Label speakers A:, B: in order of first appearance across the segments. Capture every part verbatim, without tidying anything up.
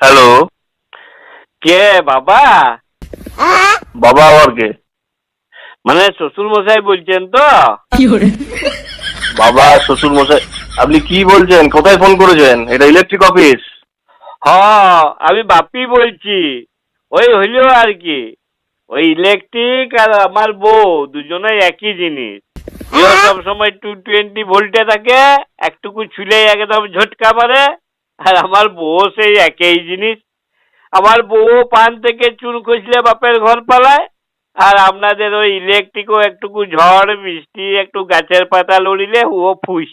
A: Hello.
B: কে বাবা?
A: বাবা আবার কে?
B: মানে শ্বশুর মশাই বলছেন তো?
A: বাবা শ্বশুর মশাই? আপনি কি বলছেন? কোথায় ফোন করেছেন? এটা ইলেকট্রিক অফিস।
B: হ্যাঁ, আমি বাপি বলছি। ওই হইলো আর কি, ওই ইলেকট্রিক আর আমার বউ দুজনেই একই জিনিস। এও সব সময় টু টোয়েন্টি ভোল্টে থাকে, একটুকু ছুলে একদম ঝটকা মারে। আর আমার বউ সেই একই জিনিস। আমার বউ পান থেকে চুন খসলে বাপের ঘর পালায়, আর আপনাদের ওই ইলেকট্রিকও একটুকু ঝড় বৃষ্টি একটু গাছের পাতা লড়িলে ও ফুস।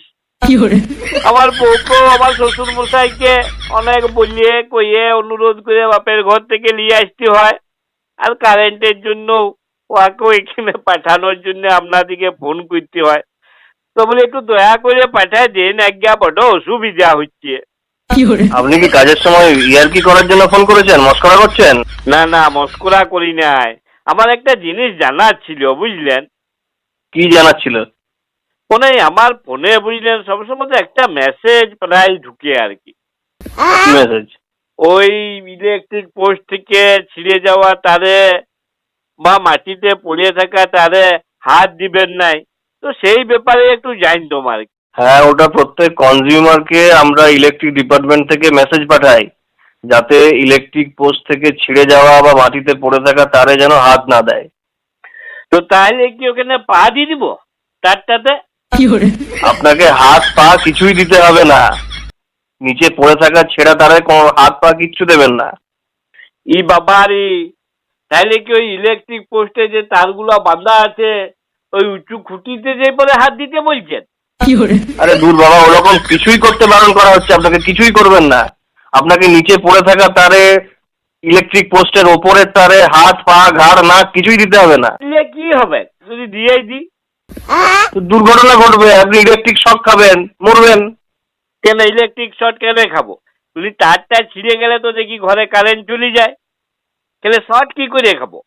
B: আমার বউকেও আমার শ্বশুর মশাইকে অনেক বলিয়ে কইয়ে অনুরোধ করে বাপের ঘর থেকে নিয়ে আসতে হয়। আর কারেন্টের জন্য ওকেও এখানে পাঠানোর জন্য আপনাদিকে ফোন করতে হয়। তো বলে একটু দয়া করে পাঠায় দিন, আজ্ঞা বড় অসুবিধা হচ্ছে।
A: আপনি কি কাজের সময় ইয়ারকি করার জন্য ফোন করেছেন? মস্করা করছেন?
B: না না, মস্করা করি নাই। আমার একটা জিনিস জানার ছিল, বুঝলেন?
A: কি জানার ছিল?
B: ফোনে আমার ফোনে বুঝলেন সবসময় তো একটা মেসেজ প্রায় ঢুকে আর কি।
A: মেসেজ?
B: ওই ইলেকট্রিক পোস্ট থেকে ছিঁড়ে যাওয়া তারে বা মাটিতে পড়ে থাকা তারে হাত দিবেন নাই। তো সেই ব্যাপারে একটু জানতাম আর কি।
A: হ্যাঁ, ওটা প্রত্যেক কনজিউমারকে আমরা ইলেকট্রিক ডিপার্টমেন্ট থেকে মেসেজ পাঠাই, যাতে ইলেকট্রিক পোস্ট থেকে ছিঁড়ে যাওয়া বা মাটিতে পড়ে থাকা তারে যেন হাত না দেয়।
B: তো তাহলে কি ওখানে পা দিয়ে দিব তারটাতে?
A: আপনাকে হাত পা কিছুই দিতে হবে না। নিচে পড়ে থাকা ছেঁড়া তারে কোনো হাত পা কিচ্ছু দেবেন না।
B: ই বাবারি, তাহলে কি ওই ইলেকট্রিক পোস্টে যে তারগুলো বাঁধা আছে ওই উঁচু খুঁটিতে যে পরে হাত দিতে বলছেন?
A: আরে দূর বাবা, ওরকম কিছুই করতে বারণ করা হচ্ছে। আপনাকে কিছুই করবেন না। আপনাকে নিচে পড়ে থাকা তারে, ইলেকট্রিক পোস্টের ওপরের তারে হাত পা ঘাড় নাক কিছুই দিতে হবে না।
B: দিলে কি হবে যদি দিয়েই দিই?
A: তো দুর্ঘটনা ঘটবে, আপনি ইলেকট্রিক শক খাবেন, মরবেন।
B: কেন ইলেকট্রিক শর্ট কেন খাবো? যদি তারটা ছিঁড়ে গেলে তো দেখি ঘরে কারেন্ট চলে যায়, তাহলে শর্ট কি করে খাবো?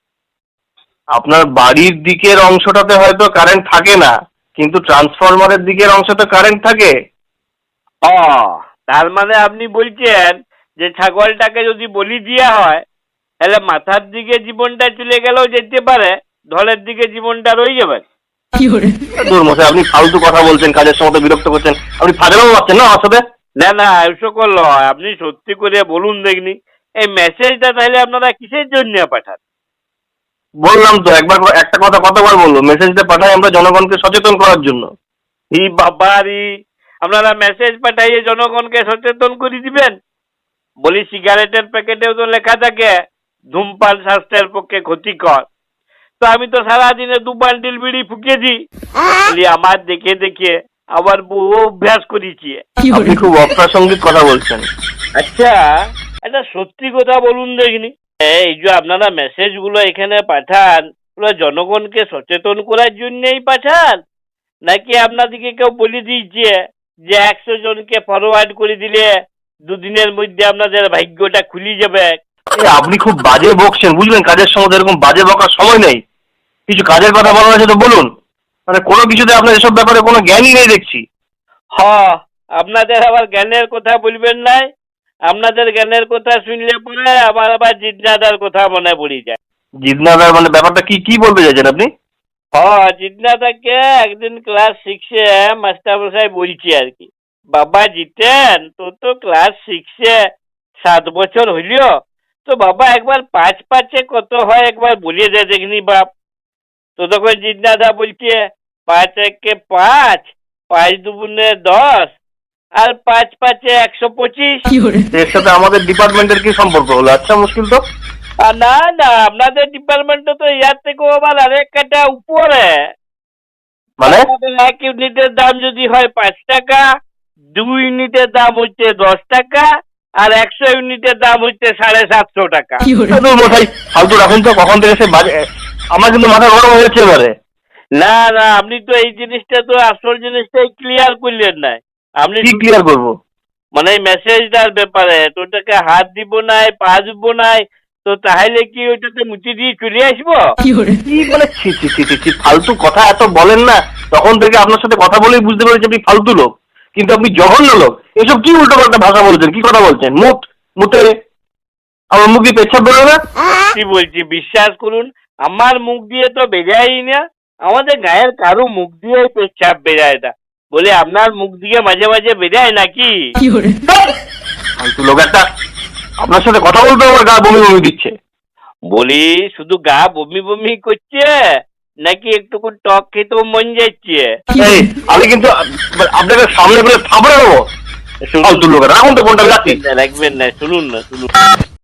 A: আপনার বাড়ির দিকের অংশটাতে হয়তো কারেন্ট থাকে না, কিন্তু ট্রান্সফরমারের দিকের অংশতে কারেন্ট থাকে।
B: ও, তার মানে আপনি বলছেন যে ছাগলটাকে যদি বলি দেওয়া হয় তাহলে মাথার দিকে জীবনটা চলে গেলেও যেতে পারে, ধলের দিকে জীবনটা রয়ে যাবে।
A: দূর মশাই, আপনি ফালতু কথা বলছেন, কাজের সময় তো বিরক্ত করছেন। আপনি ফাজলামো পাচ্ছেন না আমার সাথে?
B: না না, এসব নয়। আপনি সত্যি করে বলুন দেখনি, এই মেসেজটা তাহলে আপনারা কিসের জন্য পাঠান?
A: বললাম তো, একবার একটা কথা কতবার বলবো? মেসেজটা পাঠাই আমরা জনগণকে সচেতন করার জন্য।
B: ই বাবারি, আপনারা মেসেজ পাঠাইয়ে জনগণকে সচেতন করে দিবেন? বলি সিগারেটের প্যাকেটেও তো লেখা থাকে ধূমপান স্বাস্থ্যের পক্ষে ক্ষতিকর। তো আমি তো সারাদিনে দু বান্ডিল বিড়ি ফুকিয়ে দিই। বলি আমার দেখে দেখে আবার বউ অভ্যাস করেছি।
A: আপনি খুব অপ্রাসঙ্গিক কথা বলছেন।
B: আচ্ছা, একটা সত্যি কথা বলুন দেখিনি, এই যে আপনারা মেসেজ গুলো এখানে পাঠান, ওগুলো জনগণকে সচেতন করার জন্যই পাঠান, নাকি আপনাদেরকে কেউ বলে দিয়েছে যে একশো জনকে ফরওয়ার্ড করে দিলে দুদিনের মধ্যে আপনাদের ভাগ্যটা খুলে যাবে?
A: এ, আপনি খুব বাজে বকছেন, বুঝলেন? কাজের সময় এরকম বাজে বকার সময় নেই। কিছু কাজের কথা বলার আছে তো বলুন। মানে কোনো কিছুতে আপনার এসব ব্যাপারে কোনো জ্ঞানই নেই দেখছি।
B: হ, আপনাদের আবার জ্ঞানের কথা বলবেন নাই। আপনাদের জ্ঞানের কথা শুনলে পরে আবার আবার জিজ্ঞাসার কথা মনে পড়ে যায়।
A: জিদনাদার মানে ব্যাপারটা কি কি বলতে চাইছেন আপনি?
B: হ্যাঁ, জিজ্ঞাসাকে একদিন ক্লাস সিক্সে মাস্টার মশাই বলছি আর কি, বাবা জিতেন তো তো ক্লাস সিক্সে সাত বছর হইল, তো বাবা একবার পাঁচ পাঁচে কত হয় একবার বলে দে দেখনি বাপ। তো তখন জিজ্ঞাসা বলছে পাঁচ একে পাঁচ, পাঁচ দুগুণে দশ, আর পাঁচ পাঁচে একশো পঁচিশ।
A: এর সাথে আমাদের ডিপার্টমেন্টের কি সম্পর্ক হলো? আচ্ছা, মুশকিল তো।
B: আর না না, আপনাদের ডিপার্টমেন্টে তো ইয়ার থেকেও আবার আরেক কাটা উপরে।
A: মানে
B: আমাদের এক ইউনিটের দাম যদি হয় পাঁচ টাকা, দুই ইউনিটের দাম হচ্ছে দশ টাকা, আর একশো ইউনিটের দাম হচ্ছে সাড়ে সাতশো টাকা।
A: দূর মশাই, ফালতু রাখুন তো। কখন থেকে সে বাজে, আমার কিন্তু মাথা গরম হয়েছে এবারে।
B: না না, আপনি তো এই জিনিসটা তো আসল জিনিসটাই ক্লিয়ার করলেন না। আপনি
A: কি ক্লিয়ার করবো?
B: মানে এই মেসেজটার ব্যাপারে তো ওটাকে হাত দিব নাই পা দিব নাই, তো তাহলে কি ওইটাতে মুচি দিয়ে চলে আসবো?
A: কি মানে ছি ছি ছি ছি ছি, ফালতু কথা এত বলেন না। তখন থেকে আপনার সাথে কথা বলেই বুঝতে পেরেছি আপনি ফালতু লোক, কিন্তু আপনি জঘন্য লোক। এসব কি উল্টো পাল্টা ভাষা বলছেন, কি কথা বলছেন? মুট মুটে আমার মুখ দিয়ে পেচ্ছাপ বেরোয় না?
B: কি বলছি বিশ্বাস করুন, আমার মুখ দিয়ে তো বেরাই না, আমাদের গায়ের কারো মুখ দিয়ে পেচ্ছাপ বেরায় না। বলে আপনার মুখ দিয়ে মাঝে মাঝে বেরায় নাকি?
A: ফালতু লোক একটা, আপনার সাথে কথা বলতে আমার গা বমি বমি দিচ্ছে।
B: বলি শুধু গা বমি বমি করছে নাকি একটুকু টক খেতেও মন যাচ্ছে?
A: এই, আমি কিন্তু আপনাকে সামনে বলে থাপড়ে দেবো। ফালতু লোক, রাখুন তো ফোনটা, যাচ্ছি।
B: রাখবেন না, শুনুন না শুনুন।